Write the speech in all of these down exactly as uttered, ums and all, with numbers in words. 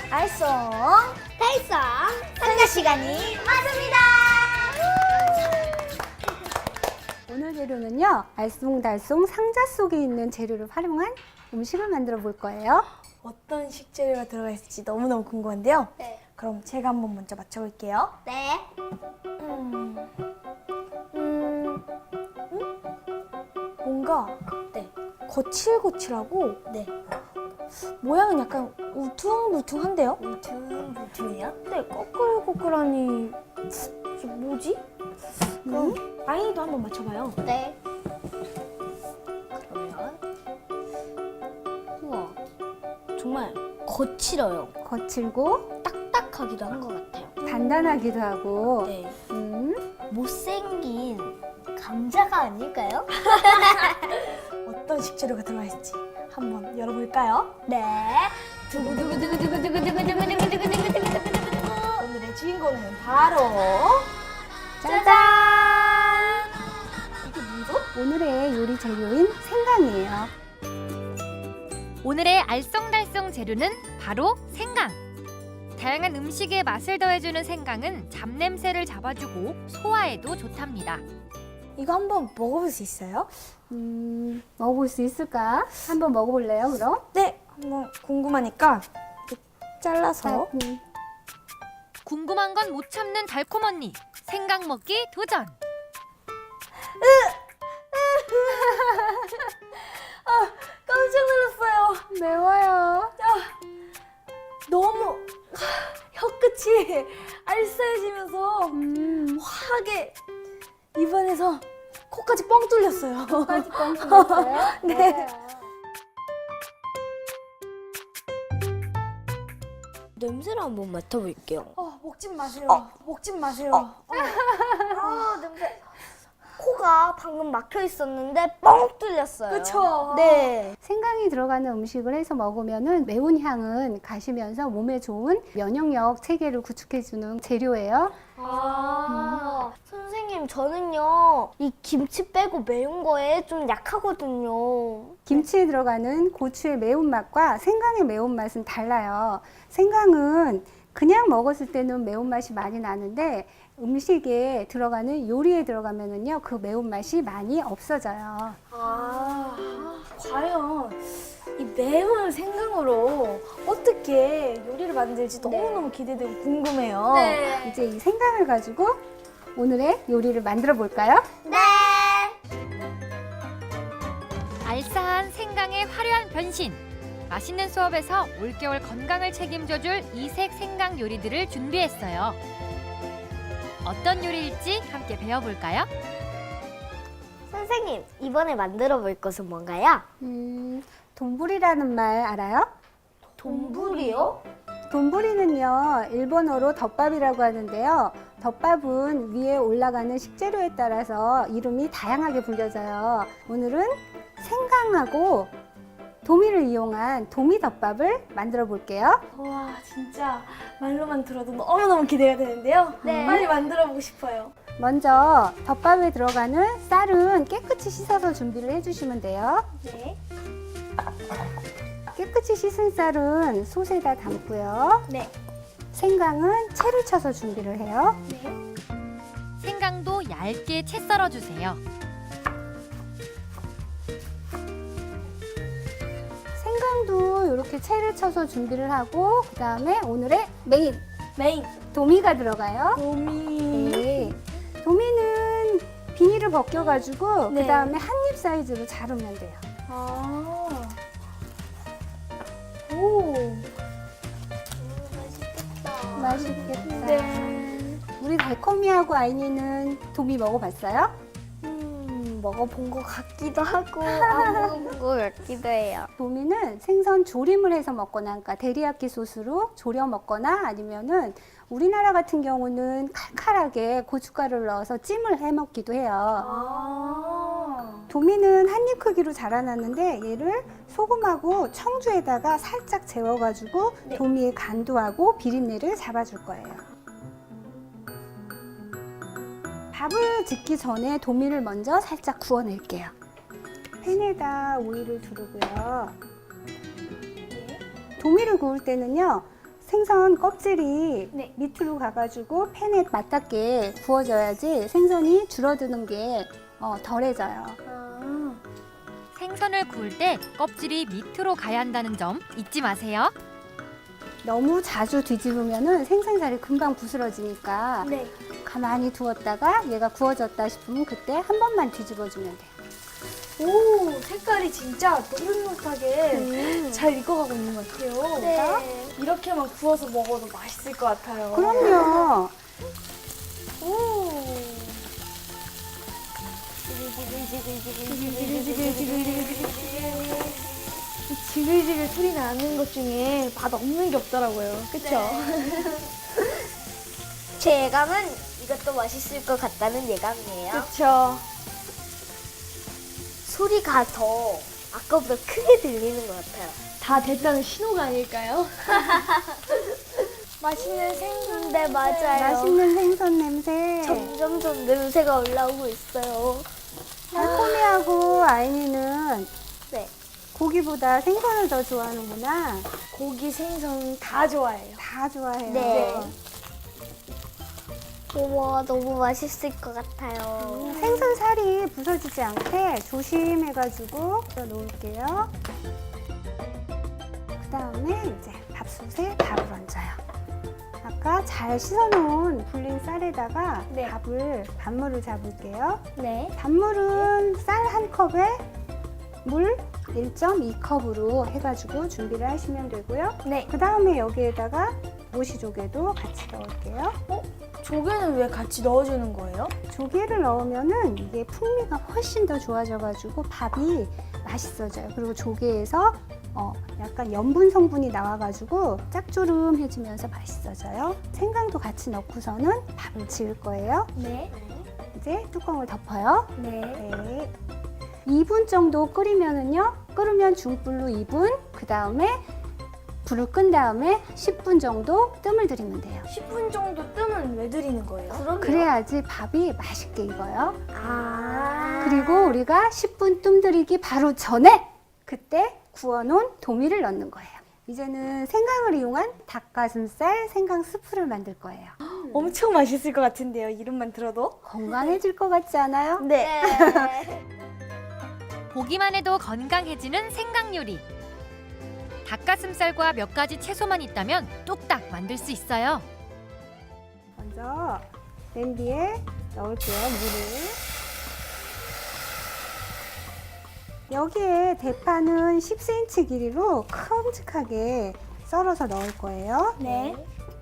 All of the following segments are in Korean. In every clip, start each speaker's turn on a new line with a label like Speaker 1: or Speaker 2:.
Speaker 1: 알쏭 달쏭 상자 시간이 왔습니다.
Speaker 2: 오늘 재료는요, 알쏭달쏭 상자 속에 있는 재료를 활용한 음식을 만들어 볼 거예요.
Speaker 3: 어떤 식재료가 들어가 있을지 너무너무 궁금한데요.
Speaker 1: 네.
Speaker 3: 그럼 제가 한번 먼저 맞춰볼게요.
Speaker 1: 네.
Speaker 3: 음, 음, 음? 뭔가
Speaker 1: 네.
Speaker 3: 거칠거칠하고
Speaker 1: 네.
Speaker 3: 모양은 약간 우퉁불퉁한데요?
Speaker 1: 울퉁불퉁이요?
Speaker 3: 네, 꺼끌꺼끌하니 이게 뭐지? 그럼 아이도 한번 맞춰봐요.
Speaker 1: 네. 그러면 우와 정말 거칠어요.
Speaker 2: 거칠고
Speaker 1: 딱딱하기도 한 것 같아요.
Speaker 2: 단단하기도 하고.
Speaker 1: 네.
Speaker 2: 음,
Speaker 1: 못생긴 감자가 아닐까요?
Speaker 3: 어떤 식재료가 들어가 있을지 한번 열어볼까요?
Speaker 1: 네. 두구두구두구두구두구두구두구두구두구두구두구두구두구.
Speaker 3: 오늘의 주인공은 바로
Speaker 2: 짜잔!
Speaker 3: 이게 뭐죠?
Speaker 2: 오늘의 요리 재료인 생강이에요.
Speaker 4: 오늘의 알쏭달쏭 재료는 바로 생강. 다양한 음식에 맛을 더해주는 생강은 잡냄새를 잡아주고 소화에도 좋답니다.
Speaker 3: 이거 한번 먹어볼 수 있어요?
Speaker 2: 음, 먹어볼 수 있을까? 한번 먹어볼래요, 그럼?
Speaker 3: 네, 한번 궁금하니까 이렇게 잘라서
Speaker 2: 음,
Speaker 4: 궁금한 건 못 참는 달콤 언니. 생강 먹기 도전.
Speaker 3: 깜짝 놀랐어요.
Speaker 2: 매워요.
Speaker 3: 너무 혀끝이 알싸해지면서
Speaker 2: 음,
Speaker 3: 화하게 입안에서 코까지 뻥 뚫렸어요.
Speaker 2: 까지 뻥 뚫렸어요?
Speaker 3: 네.
Speaker 2: 맞아요.
Speaker 1: 냄새를 한번 맡아볼게요.
Speaker 3: 어, 먹지 마세요. 먹지 마세요. 어.
Speaker 1: 아 냄새. 코가 방금 막혀 있었는데 뻥 뚫렸어요.
Speaker 3: 그쵸?
Speaker 1: 네.
Speaker 2: 생강이 들어가는 음식을 해서 먹으면은 매운 향은 가시면서 몸에 좋은 면역력 체계를 구축해주는 재료예요.
Speaker 1: 아 선생님 저는요 이 김치 빼고 매운 거에 좀 약하거든요.
Speaker 2: 김치에 들어가는 고추의 매운맛과 생강의 매운맛은 달라요. 생강은 그냥 먹었을 때는 매운맛이 많이 나는데 음식에 들어가는 요리에 들어가면은요 그 매운맛이 많이 없어져요.
Speaker 3: 아, 과연 이 매운 생강으로 어떻게 요리를 만들지 너무너무 기대되고 궁금해요.
Speaker 1: 네.
Speaker 2: 이제 이 생강을 가지고 오늘의 요리를 만들어 볼까요?
Speaker 1: 네.
Speaker 4: 알싸한 생강의 화려한 변신. 맛있는 수업에서 올겨울 건강을 책임져줄 이색 생강 요리들을 준비했어요. 어떤 요리일지 함께 배워볼까요?
Speaker 1: 선생님 이번에 만들어 볼 것은 뭔가요?
Speaker 2: 음, 돈부리라는 말 알아요?
Speaker 1: 돈부리요?
Speaker 2: 돈부리는요 일본어로 덮밥이라고 하는데요. 덮밥은 위에 올라가는 식재료에 따라서 이름이 다양하게 불려져요. 오늘은 생강하고 도미를 이용한 도미덮밥을 만들어 볼게요.
Speaker 3: 와, 진짜 말로만 들어도 너무너무 기대가 되는데요.
Speaker 1: 네.
Speaker 3: 빨리 만들어 보고 싶어요.
Speaker 2: 먼저 덮밥에 들어가는 쌀은 깨끗이 씻어서 준비를 해주시면 돼요.
Speaker 1: 네.
Speaker 2: 깨끗이 씻은 쌀은 솥에다 담고요.
Speaker 3: 네.
Speaker 2: 생강은 채를 쳐서 준비를 해요.
Speaker 3: 네.
Speaker 4: 생강도 얇게 채 썰어주세요.
Speaker 2: 생강도 이렇게 채를 쳐서 준비를 하고 그 다음에 오늘의 메인
Speaker 3: 메인
Speaker 2: 도미가 들어가요.
Speaker 3: 도미.
Speaker 2: 네. 도미는 비닐을 벗겨가지고
Speaker 3: 네.
Speaker 2: 그 다음에 한 입 사이즈로 자르면 돼요.
Speaker 3: 아. 오.
Speaker 2: 맛있겠다.
Speaker 3: 네.
Speaker 2: 우리 달콤이하고 아이니는 도미 먹어봤어요?
Speaker 1: 음 먹어본 것 같기도 하고 안 먹어본 것 같기도 해요.
Speaker 2: 도미는 생선 조림을 해서 먹거나, 그러니까 데리야끼 소스로 졸여 먹거나 아니면은 우리나라 같은 경우는 칼칼하게 고춧가루를 넣어서 찜을 해 먹기도 해요.
Speaker 3: 아.
Speaker 2: 도미는 한 입 크기로 자라났는데 얘를 소금하고 청주에다가 살짝 재워가지고
Speaker 3: 네.
Speaker 2: 도미의 간도하고 비린내를 잡아줄 거예요. 밥을 짓기 전에 도미를 먼저 살짝 구워낼게요. 팬에다 오일을 두르고요. 도미를 구울 때는요, 생선 껍질이
Speaker 3: 네.
Speaker 2: 밑으로 가가지고 팬에 맞닿게 구워져야지 생선이 줄어드는 게 어, 덜해져요.
Speaker 3: 아,
Speaker 4: 생선을 구울 때 껍질이 밑으로 가야 한다는 점 잊지 마세요.
Speaker 2: 너무 자주 뒤집으면은 생선살이 금방 부스러지니까
Speaker 3: 네.
Speaker 2: 가만히 두었다가 얘가 구워졌다 싶으면 그때 한 번만 뒤집어주면 돼요.
Speaker 3: 오, 색깔이 진짜 노릇노릇하게
Speaker 1: 음.
Speaker 3: 잘 익어가고 있는 것 같아요.
Speaker 1: 네.
Speaker 3: 이렇게만 구워서 먹어도 맛있을 것 같아요.
Speaker 2: 그럼요.
Speaker 3: 오. 이 지글지글 소리 나는 것 중에 맛 없는 게 없더라고요. 그쵸?
Speaker 1: 제 예감은 이것도 맛있을 것 같다는 예감이에요.
Speaker 3: 그쵸.
Speaker 1: 소리가 더 아까보다 크게 들리는 것 같아요.
Speaker 3: 다 됐다는 신호가 아닐까요? 맛있는 생선.
Speaker 1: 네, 맞아요.
Speaker 2: 맛있는 생선 냄새.
Speaker 1: 점점점 냄새가 올라오고 있어요.
Speaker 2: 달콤이하고 아이니는
Speaker 1: 네.
Speaker 2: 고기보다 생선을 더 좋아하는구나.
Speaker 3: 고기, 생선 다 좋아해요.
Speaker 2: 다 좋아해요.
Speaker 1: 네. 우와, 너무 맛있을 것 같아요.
Speaker 2: 생선 살이 부서지지 않게 조심해가지고 놓을게요. 그 다음에 이제 밥솥에 밥을 얹어요. 아까 잘 씻어놓은 불린 쌀에다가
Speaker 3: 네.
Speaker 2: 밥을 밥물을 잡을게요.
Speaker 3: 네.
Speaker 2: 밥물은 쌀 한 컵에 물 일 점 이 컵으로 해가지고 준비를 하시면 되고요.
Speaker 3: 네.
Speaker 2: 그 다음에 여기에다가 모시조개도 같이 넣을게요.
Speaker 3: 조개는 왜 같이 넣어주는 거예요?
Speaker 2: 조개를 넣으면은 이게 풍미가 훨씬 더 좋아져가지고 밥이 맛있어져요. 그리고 조개에서 어, 약간 염분 성분이 나와가지고 짭조름해지면서 맛있어져요. 생강도 같이 넣고서는 밥을 지을 거예요.
Speaker 3: 네.
Speaker 2: 이제 뚜껑을 덮어요.
Speaker 3: 네.
Speaker 2: 네. 이 분 정도 끓이면은요. 끓으면 중불로 이 분, 그 다음에 불을 끈 다음에 십 분 정도 뜸을 들이면 돼요.
Speaker 3: 십 분 정도 뜸은 왜 드리는 거예요?
Speaker 1: 그럼요.
Speaker 2: 그래야지 밥이 맛있게 익어요.
Speaker 1: 아.
Speaker 2: 그리고 우리가 십 분 뜸 들이기 바로 전에 그때 구워놓은 도미를 넣는 거예요. 이제는 생강을 이용한 닭가슴살 생강 스프를 만들 거예요.
Speaker 3: 엄청 맛있을 것 같은데요, 이름만 들어도?
Speaker 2: 건강해질 것 같지 않아요?
Speaker 3: 네.
Speaker 1: 네.
Speaker 4: 보기만 해도 건강해지는 생강 요리. 닭가슴살과 몇 가지 채소만 있다면 뚝딱 만들 수 있어요.
Speaker 2: 먼저 냄비에 넣을게요, 물을. 여기에 대파는 십 센티미터 길이로 큼직하게 썰어서 넣을 거예요.
Speaker 3: 네.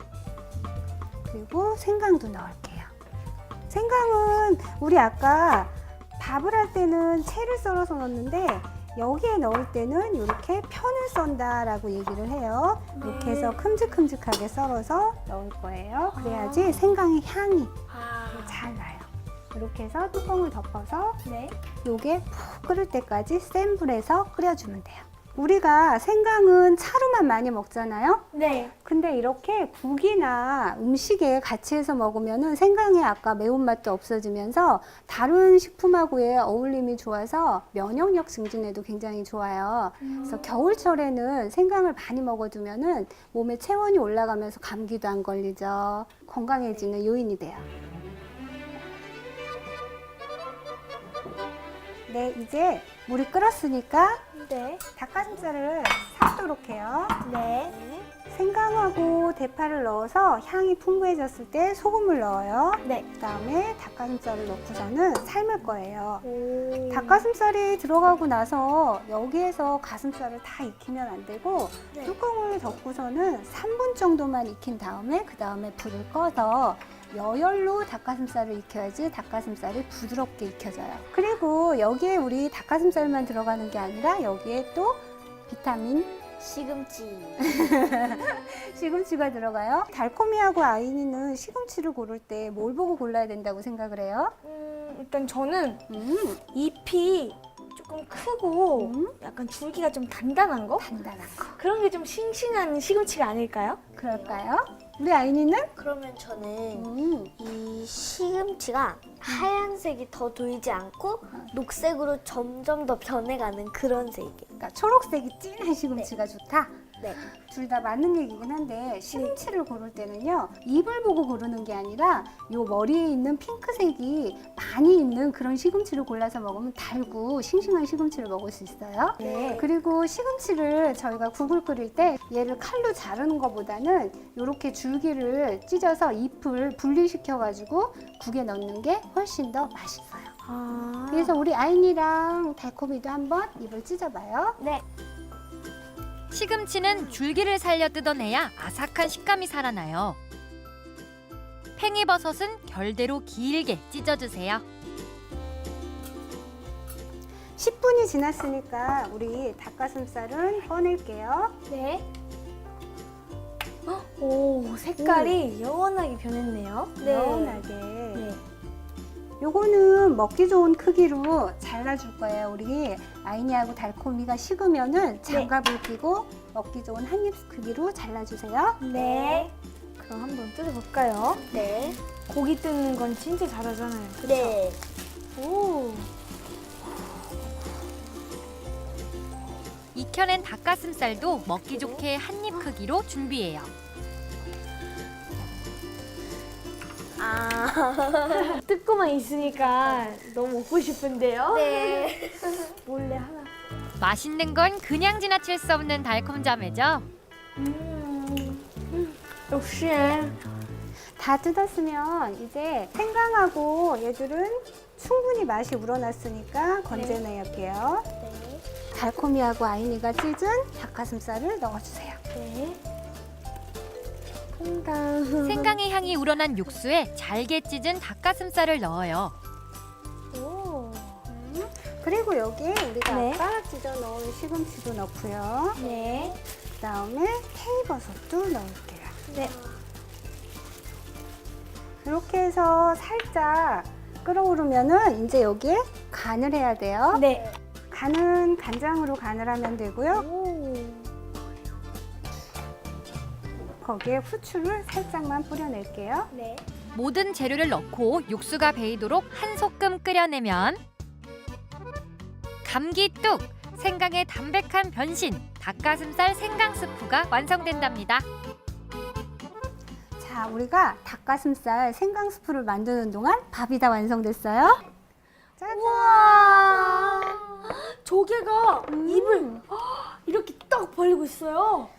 Speaker 2: 그리고 생강도 넣을게요. 생강은 우리 아까 밥을 할 때는 채를 썰어서 넣었는데 여기에 넣을 때는 이렇게 편을 썬다라고 얘기를 해요. 이렇게 해서 큼직큼직하게 썰어서 넣을 거예요. 그래야지 생강의 향이
Speaker 3: 아.
Speaker 2: 잘 나요. 이렇게 해서 뚜껑을 덮어서
Speaker 3: 네.
Speaker 2: 요게 푹 끓을 때까지 센 불에서 끓여주면 돼요. 우리가 생강은 차로만 많이 먹잖아요.
Speaker 3: 네.
Speaker 2: 근데 이렇게 국이나 음식에 같이 해서 먹으면은 생강의 아까 매운맛도 없어지면서 다른 식품하고의 어울림이 좋아서 면역력 증진에도 굉장히 좋아요. 그래서 겨울철에는 생강을 많이 먹어두면은 몸에 체온이 올라가면서 감기도 안 걸리죠. 건강해지는 요인이 돼요. 네, 이제 물이 끓었으니까
Speaker 3: 네.
Speaker 2: 닭가슴살을 삶도록 해요.
Speaker 3: 네.
Speaker 2: 생강하고 대파를 넣어서 향이 풍부해졌을 때 소금을 넣어요.
Speaker 3: 네.
Speaker 2: 그 다음에 닭가슴살을 넣고서는 삶을 거예요.
Speaker 3: 오.
Speaker 2: 닭가슴살이 들어가고 나서 여기에서 가슴살을 다 익히면 안 되고
Speaker 3: 네.
Speaker 2: 뚜껑을 덮고서는 삼 분 정도만 익힌 다음에 그 다음에 불을 꺼서 여열로 닭가슴살을 익혀야지 닭가슴살이 부드럽게 익혀져요. 그리고 여기에 우리 닭가슴살만 들어가는 게 아니라 여기에 또 비타민
Speaker 1: 시금치.
Speaker 2: 시금치가 들어가요. 달콤이하고 아이니는 시금치를 고를 때 뭘 보고 골라야 된다고 생각을 해요?
Speaker 3: 음, 일단 저는
Speaker 2: 음,
Speaker 3: 잎이 조금 크고
Speaker 2: 음.
Speaker 3: 약간 줄기가 좀 단단한 거?
Speaker 2: 단단한 거.
Speaker 3: 그런 게 좀 싱싱한 시금치가 아닐까요?
Speaker 2: 그럴까요? 우리 아이니는?
Speaker 1: 그러면 저는
Speaker 2: 음,
Speaker 1: 이 시금치가 하얀색이 더 돌지 않고 녹색으로 점점 더 변해가는 그런 색이에요.
Speaker 2: 그러니까 초록색이 진한 시금치가 좋다.
Speaker 1: 네.
Speaker 2: 둘 다 맞는 얘기긴 한데 시금치를 고를 때는요 잎을 보고 고르는 게 아니라 요 머리에 있는 핑크색이 많이 있는 그런 시금치를 골라서 먹으면 달고 싱싱한 시금치를 먹을 수 있어요.
Speaker 1: 네.
Speaker 2: 그리고 시금치를 저희가 국을 끓일 때 얘를 칼로 자르는 것보다는 이렇게 줄기를 찢어서 잎을 분리시켜 가지고 국에 넣는 게 훨씬 더 맛있어요.
Speaker 3: 아.
Speaker 2: 그래서 우리 아인이랑 달콤이도 한번 잎을 찢어봐요.
Speaker 1: 네.
Speaker 4: 시금치는 줄기를 살려 뜯어내야 아삭한 식감이 살아나요. 팽이버섯은 결대로 길게 찢어주세요.
Speaker 2: 십 분이 지났으니까 우리 닭가슴살은 꺼낼게요.
Speaker 3: 네. 오, 색깔이 영원하게 변했네요.
Speaker 2: 연하게.
Speaker 3: 네.
Speaker 2: 요거는 먹기 좋은 크기로 잘라줄 거예요. 우리 아이니하고 달콤이가 식으면은 장갑을 끼고 먹기 좋은 한 입 크기로 잘라주세요.
Speaker 3: 네. 그럼 한번 뜯어볼까요?
Speaker 1: 네.
Speaker 3: 고기 뜯는 건 진짜 잘하잖아요. 그쵸?
Speaker 1: 네.
Speaker 3: 오.
Speaker 4: 익혀낸 닭가슴살도 먹기 좋게 한 입 크기로 준비해요.
Speaker 1: 아.
Speaker 3: 뜯고만 있으니까 너무 먹고 싶은데요?
Speaker 1: 네.
Speaker 3: 몰래 하나.
Speaker 4: 맛있는 건 그냥 지나칠 수 없는 달콤 자매죠.
Speaker 3: 음. 역시.
Speaker 2: 다 뜯었으면 이제 생강하고 얘들은 충분히 맛이 우러났으니까 건져내볼게요.
Speaker 1: 네.
Speaker 2: 달콤이하고 아이니가 찢은 닭가슴살을 넣어주세요.
Speaker 3: 네. 생강.
Speaker 4: 생강의 향이 우러난 육수에 잘게 찢은 닭가슴살을 넣어요.
Speaker 3: 오.
Speaker 2: 그리고 여기에 우리가
Speaker 3: 네.
Speaker 2: 아까 찢어 넣은 시금치도 넣고요.
Speaker 3: 네.
Speaker 2: 그 다음에 팽이버섯도 넣을게요.
Speaker 3: 네.
Speaker 2: 이렇게 해서 살짝 끓어오르면은 이제 여기에 간을 해야 돼요.
Speaker 3: 네.
Speaker 2: 간은 간장으로 간을 하면 되고요.
Speaker 3: 오.
Speaker 2: 거기에 후추를 살짝만 뿌려낼게요.
Speaker 3: 네.
Speaker 4: 모든 재료를 넣고 육수가 배이도록 한 소끔 끓여내면 감기 뚝! 생강의 담백한 변신! 닭가슴살 생강 스프가 완성된답니다.
Speaker 2: 자, 우리가 닭가슴살 생강 스프를 만드는 동안 밥이 다 완성됐어요. 짜잔!
Speaker 3: 우와. 조개가
Speaker 2: 음.
Speaker 3: 입을 이렇게 딱 벌리고 있어요.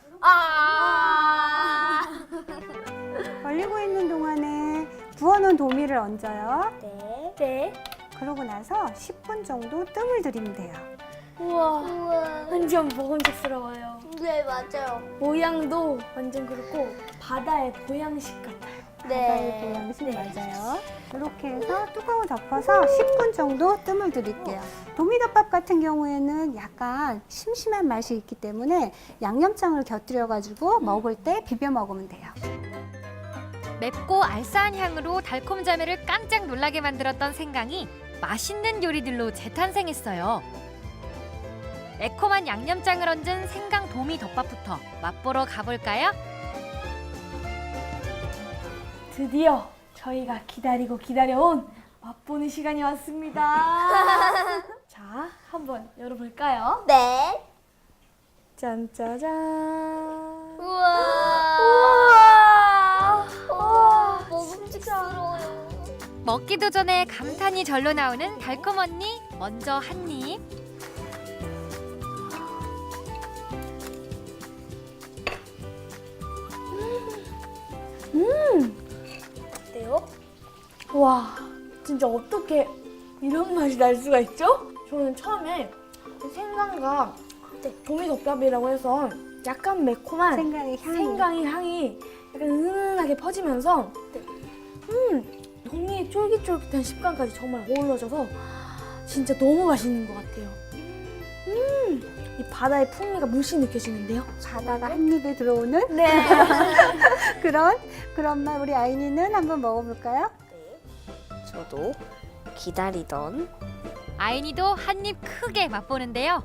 Speaker 1: 아.
Speaker 2: 벌리고 있는 동안에 부어놓은 도미를 얹어요.
Speaker 1: 네.
Speaker 3: 네.
Speaker 2: 그러고 나서 십 분 정도 뜸을 들이면 돼요.
Speaker 3: 우와.
Speaker 1: 우와.
Speaker 3: 완전 먹음직스러워요.
Speaker 1: 네, 맞아요.
Speaker 3: 모양도 완전 그렇고 바다의 보양식 같아요.
Speaker 2: 바다의 보양식 맞아요. 이렇게 해서 뚜껑을 덮어서 십 분 정도 뜸을 들일게요. 도미덮밥 같은 경우에는 약간 심심한 맛이 있기 때문에 양념장을 곁들여가지고 먹을 때 비벼 먹으면 돼요.
Speaker 4: 맵고 알싸한 향으로 달콤 자매를 깜짝 놀라게 만들었던 생강이 맛있는 요리들로 재탄생했어요. 매콤한 양념장을 얹은 생강 도미 덮밥부터 맛보러 가볼까요?
Speaker 3: 드디어 저희가 기다리고 기다려온 맛보는 시간이 왔습니다. 자, 한번 열어볼까요?
Speaker 1: 네.
Speaker 3: 짠짜잔.
Speaker 1: 우와.
Speaker 3: 우와.
Speaker 1: 우와. 먹음직스러워요.
Speaker 4: 먹기도 전에 감탄이 절로 나오는 달콤 언니 먼저 한 입.
Speaker 1: 어때요?
Speaker 3: 와, 진짜 어떻게 이런 맛이 날 수가 있죠? 저는 처음에 생강과 도미덮밥이라고 해서 약간 매콤한
Speaker 2: 생강의 향이.
Speaker 3: 생강의 향이 약간 은은하게 퍼지면서
Speaker 1: 네.
Speaker 3: 음, 도미의 쫄깃쫄깃한 식감까지 정말 어우러져서 진짜 너무 맛있는 것 같아요. 음, 이 바다의 풍미가 물씬 느껴지는데요.
Speaker 2: 바다가 한 입에 들어오는
Speaker 3: 네.
Speaker 2: 그런 그런 맛. 우리 아이니는 한번 먹어볼까요?
Speaker 1: 네. 저도 기다리던
Speaker 4: 아이니도 한 입 크게 맛보는데요.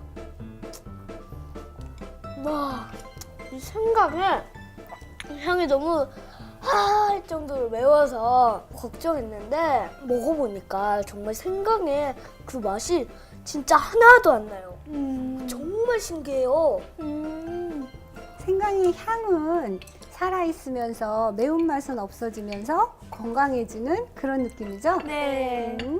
Speaker 1: 와, 이 생강의 향이 너무 할 정도로 매워서 걱정했는데 먹어보니까 정말 생강의 그 맛이 진짜 하나도 안 나요.
Speaker 3: 음,
Speaker 1: 정말 신기해요.
Speaker 3: 음,
Speaker 2: 생강의 향은 살아있으면서 매운맛은 없어지면서 건강해지는 그런 느낌이죠?
Speaker 3: 네.
Speaker 2: 음.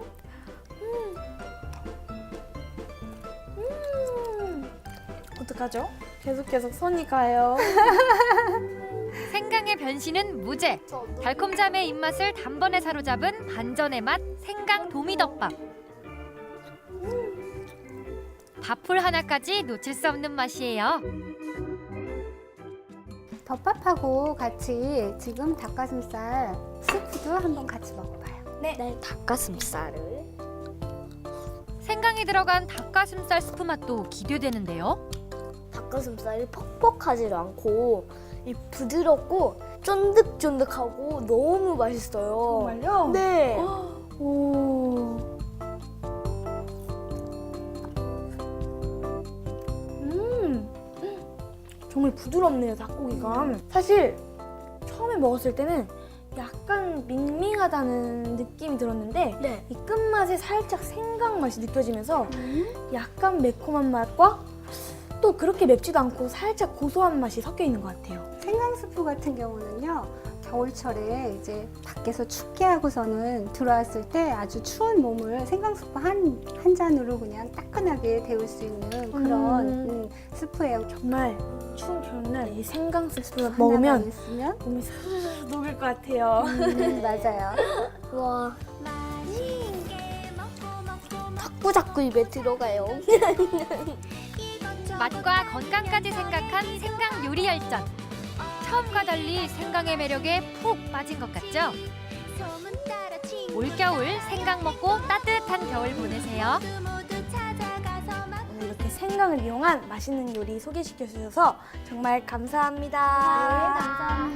Speaker 3: 음. 어떡하죠? 계속 계속 손이 가요.
Speaker 4: 생강의 변신은 무죄. 달콤잠의 입맛을 단번에 사로잡은 반전의 맛 생강 도미덮밥. 밥풀 하나까지 놓칠 수 없는 맛이에요.
Speaker 2: 덮밥하고 같이 지금 닭가슴살 스프도 한번 같이 먹어봐요.
Speaker 1: 네, 닭가슴살을.
Speaker 4: 생강이 들어간 닭가슴살 스프 맛도 기대되는데요.
Speaker 1: 닭가슴살이 퍽퍽하지 않고 이 부드럽고 쫀득쫀득하고 너무 맛있어요.
Speaker 3: 정말요?
Speaker 1: 네.
Speaker 3: 오. 음. 정말 부드럽네요, 닭고기가. 사실 처음에 먹었을 때는 약간 밍밍하다는 느낌이 들었는데
Speaker 1: 네.
Speaker 3: 이 끝맛에 살짝 생강 맛이 느껴지면서
Speaker 2: 음.
Speaker 3: 약간 매콤한 맛과 또 그렇게 맵지도 않고 살짝 고소한 맛이 섞여 있는 것 같아요.
Speaker 2: 생강 스프 같은 경우는요, 겨울철에 이제 밖에서 춥게 하고서는 들어왔을 때 아주 추운 몸을 생강 스프 한, 한 잔으로 그냥 따끈하게 데울 수 있는 그런
Speaker 3: 음.
Speaker 2: 음, 스프예요.
Speaker 3: 정말 추운 겨울날 이 생강 스프
Speaker 2: 하나만
Speaker 3: 먹으면
Speaker 2: 있으면
Speaker 3: 몸이 스르르 녹을 것 같아요.
Speaker 2: 음, 맞아요.
Speaker 1: 와. 자꾸 자꾸 입에 들어가요.
Speaker 4: 맛과 건강까지 생각한 생강 요리 열전. 처음과 달리 생강의 매력에 푹 빠진 것 같죠? 올겨울 생강 먹고 따뜻한 겨울 보내세요.
Speaker 3: 오늘 이렇게 생강을 이용한 맛있는 요리 소개시켜 주셔서 정말 감사합니다.
Speaker 1: 네, 감사합니다.